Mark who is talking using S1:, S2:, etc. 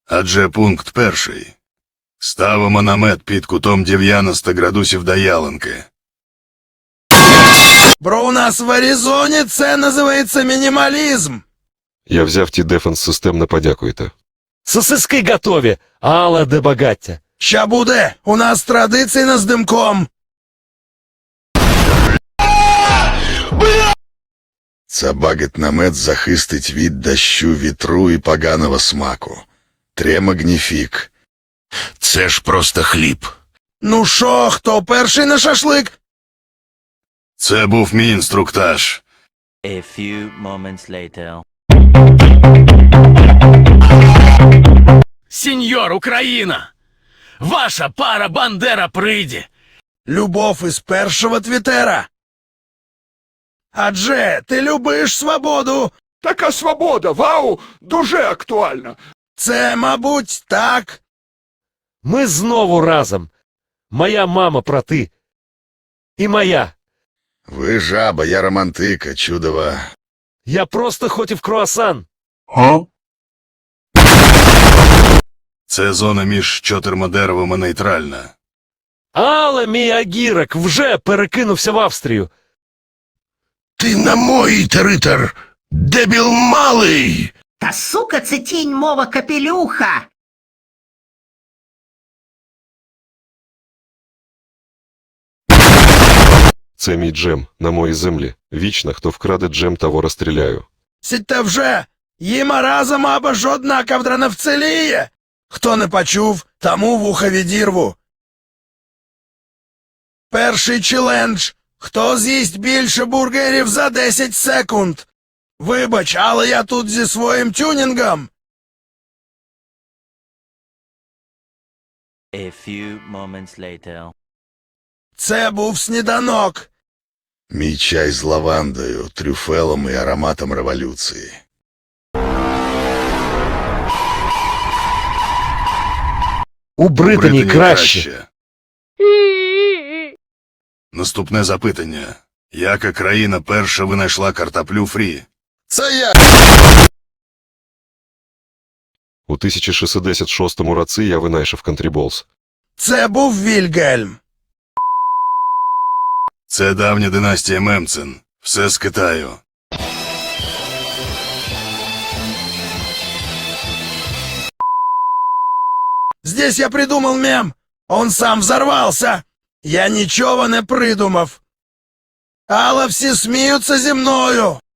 S1: Адже пункт перший. Ставимо намет під кутом 90 градусів до ялинки.
S2: Бро, у нас в Аризоні це називається мінімалізм.
S3: Я взяв ті дефенс-системно, подякуйте.
S4: Сосиски готові, але де багаття.
S2: Ща буде, у нас традиційно з димком.
S1: Це багет-намет захистить від дощу, вітру і поганого смаку. Тре магніфік. Це ж просто хліб.
S2: Ну шо, хто перший на шашлик?
S1: Це був мій інструктаж.
S5: A few moments later.
S6: Сеньор Україна! Ваша пара Бандера прийде!
S2: Любов із першого твітера. Адже ти любиш свободу.
S7: Така свобода, вау, дуже актуальна.
S2: Це, мабуть, так.
S4: Ми знову разом. Моя мама проти. І моя.
S1: Ви жаба, я романтика, чудова.
S4: Я просто хотів круасан.
S1: Це зона між чотирма деревами нейтральна.
S4: Але мій агірок вже перекинувся в Австрію.
S1: Ти на мой територ, дебіл малий!
S8: Та сука, це тінь мова капелюха.
S3: Це мій джем, на моїй землі. Вічно, хто вкраде джем, того розстріляю.
S2: Сідьте вже. Їма разом або жодна ковдра не вціліє. Хто не почув, тому вуха відірву. Перший челендж. Хто з'їсть більше бургерів за 10 секунд? Вибач, але я тут зі своїм тюнінгом.
S5: A few moments later.
S2: Це був сніданок.
S1: Мій чай з лавандою, трюфелом і ароматом революції.
S4: У Британії краще.
S1: Наступне запитання. Яка країна перша винайшла картоплю фрі? Це я!
S3: У 1666 році я винайшов контріболс.
S2: Це був Вільгельм.
S1: Це давня династія Мемцен. Все з Китаю.
S2: Здесь я придумал мем. Он сам взорвался. Я нічого не придумав. Але всі сміються зі мною.